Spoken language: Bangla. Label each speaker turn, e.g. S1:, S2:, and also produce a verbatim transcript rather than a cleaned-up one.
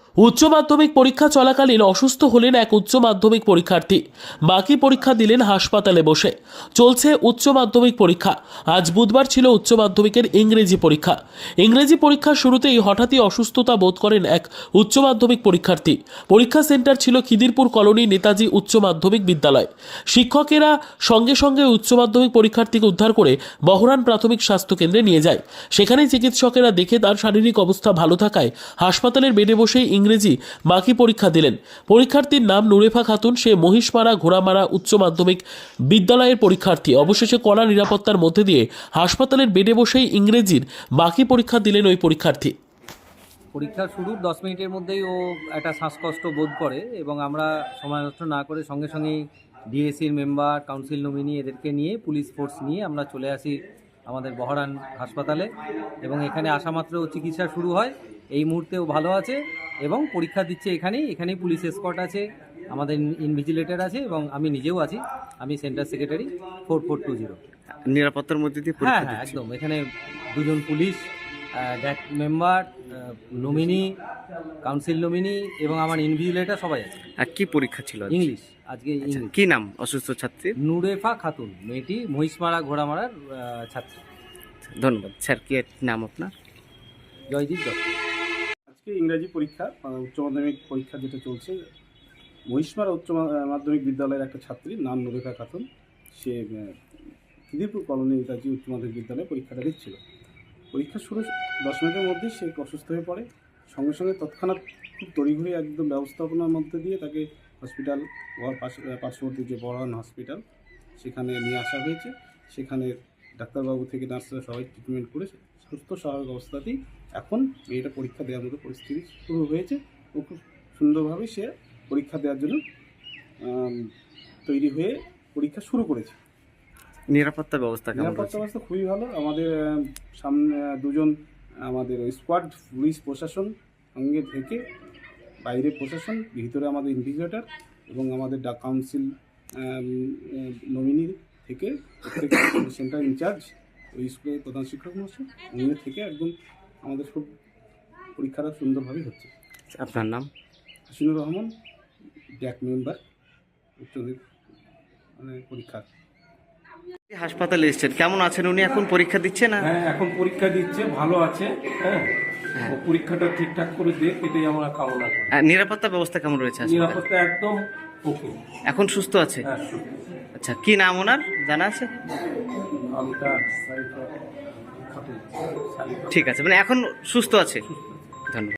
S1: উচ্চ মাধ্যমিক পরীক্ষা চলাকালীন অসুস্থ হলেন এক উচ্চ মাধ্যমিক পরীক্ষার্থী। বাকি পরীক্ষা দিলেন হাসপাতালে বসে। চলছে উচ্চ মাধ্যমিক পরীক্ষা। আজ বুধবার ছিল উচ্চ মাধ্যমিকের ইংরেজি পরীক্ষা। ইংরেজি পরীক্ষার শুরুতেই হঠাৎই অসুস্থতা বোধ করেন এক উচ্চ মাধ্যমিক পরীক্ষার্থী। পরীক্ষা সেন্টার ছিল খিদিরপুর কলোনি নেতাজি উচ্চ মাধ্যমিক বিদ্যালয়। শিক্ষকেরা সঙ্গে সঙ্গে উচ্চ মাধ্যমিক পরীক্ষার্থীকে উদ্ধার করে বহরান প্রাথমিক স্বাস্থ্য কেন্দ্রে নিয়ে যায়। সেখানে চিকিৎসকেরা দেখে তার শারীরিক অবস্থা ভালো থাকায় হাসপাতালের বেডে বসেই ইংরেজি বাকি পরীক্ষা দিলেন। পরীক্ষার্থীর নাম নুরেফা খাতুন। সে মহিষমারা ঘোড়ামারা উচ্চ মাধ্যমিক বিদ্যালয়ের পরীক্ষার্থী। অবশেষে কড়া নিরাপত্তার মধ্যে দিয়ে হাসপাতালের বেডে বসেই ইংরেজির বাকি পরীক্ষা দিলেন ওই পরীক্ষার্থী।
S2: পরীক্ষা শুরুর দশ মিনিটের মধ্যেই ও একটা শ্বাসকষ্ট বোধ করে এবং আমরা সময় নষ্ট না করে সঙ্গে সঙ্গেই ডিএসির মেম্বার, কাউন্সিল নমিনি এদেরকে নিয়ে পুলিশ ফোর্স নিয়ে আমরা চলে আসি আমাদের বহরান হাসপাতালে এবং এখানে আসা মাত্র চিকিৎসা শুরু হয়। এই মুহূর্তে ও ভালো আছে এবং পরীক্ষা দিচ্ছে এখানেই। এখানেই পুলিশ এসকর্ট আছে, আমাদের ইনভিজিলেটর আছে এবং আমি নিজেও আছি। আমি centre secretary four four two zero.
S3: নিরাপত্তার মধ্যে দিয়ে
S2: হ্যাঁ
S3: পরীক্ষা
S2: হ্যাঁ
S3: দিচ্ছে।
S2: একদম। এখানে দুজন পুলিশ, ড্যাক মেম্বার, নমিনি, কাউন্সিল নমিনি এবং আমার ইনভিজিলেটর সবাই আছে।
S3: আর কি পরীক্ষা ছিল আজ?
S2: ইংলিশ আজকে
S3: আচ্ছা,
S2: ইংলিশ।
S3: কি নাম অসুস্থ ছাত্রীর?
S2: নুরেফা খাতুন, মেয়েটি মহিষমারা ঘোড়ামারার আহ, ছাত্রী।
S3: ধন্যবাদ স্যার। কি নাম আপনার?
S2: জয়দীপ দত্ত।
S4: আজকে ইংরাজি পরীক্ষা, আহ, উচ্চ মাধ্যমিক পরীক্ষা যেটা চলছে, মহিষমারা উচ্চ মা- মাধ্যমিক বিদ্যালয়ের একটা ছাত্রী নাম নুরেফা খাতুন। সে আহ, খিদিরপুর কলোনি নেতাজি উচ্চ মাধ্যমিক বিদ্যালয়ে পরীক্ষাটা দিচ্ছিল। পরীক্ষা শুরু দশ মিনিটের মধ্যেই সে অসুস্থ হয়ে পড়ে। সঙ্গে সঙ্গে তৎক্ষণাৎ খুব তড়িঘড়ি একদম ব্যবস্থাপনার মধ্যে দিয়ে তাকে হসপিটাল, ওয়ার পাশ- পার্শ্ববর্তী যে বড়ান হসপিটাল, সেখানে নিয়ে আসা হয়েছে। সেখানে ডাক্তারবাবু থেকে নার্সরা সবাই ট্রিটমেন্ট করে সুস্থ স্বাভাবিক অবস্থাতেই এখন মেয়েটা পরীক্ষা দেওয়ার মতো পরিস্থিতি শুরু হয়েছে। ও খুব সুন্দরভাবে সে পরীক্ষা দেওয়ার জন্য আম, তৈরি হয়ে পরীক্ষা শুরু করেছে।
S3: নিরাপত্তা ব্যবস্থা কেমন
S4: নিরাপত্তা
S3: রয়েছে?
S4: ব্যবস্থা খুবই ভালো। আমাদের আহ, সামনে আহ, দুজন আমাদের স্কোয়াড পুলিশ প্রশাসন সঙ্গে থেকে, বাইরে প্রশাসন, ভিতরে আমাদের ইনভিজিলেটর এবং আমাদের ডাক কাউন্সিল নমিনি থেকে সেন্টার ইনচার্জ ওই স্কুলের প্রধান শিক্ষক মহাশয় উনি থেকে একদম আমাদের সব পরীক্ষাটা সুন্দরভাবে হচ্ছে।
S3: আপনার নাম?
S4: হাসিনুর রহমান, ব্যাক মেম্বার, উচ্চ মানে পরীক্ষা।
S3: হাসপাতালে এসেছেন, কেমন আছেন উনি? এখন পরীক্ষা দিচ্ছে না?
S5: হ্যাঁ, এখন পরীক্ষা দিচ্ছে, ভালো আছে। হ্যাঁ,
S3: হ্যাঁ।
S5: ও পরীক্ষাটা ঠিকঠাক করে দেখ, এটাই আমরা কামনা করি।
S3: আর নিরাপত্তা ব্যবস্থা কেমন রয়েছে হাসপাতালে?
S5: নিরাপত্তা একদম ওকে।
S3: এখন সুস্থ আছে?
S5: হ্যাঁ,
S3: আচ্ছা, কি নাম ওনার জানা আছে?
S5: আমি তার সাইড খাতুন।
S3: ঠিক আছে, মানে এখন সুস্থ আছে। ধন্যবাদ।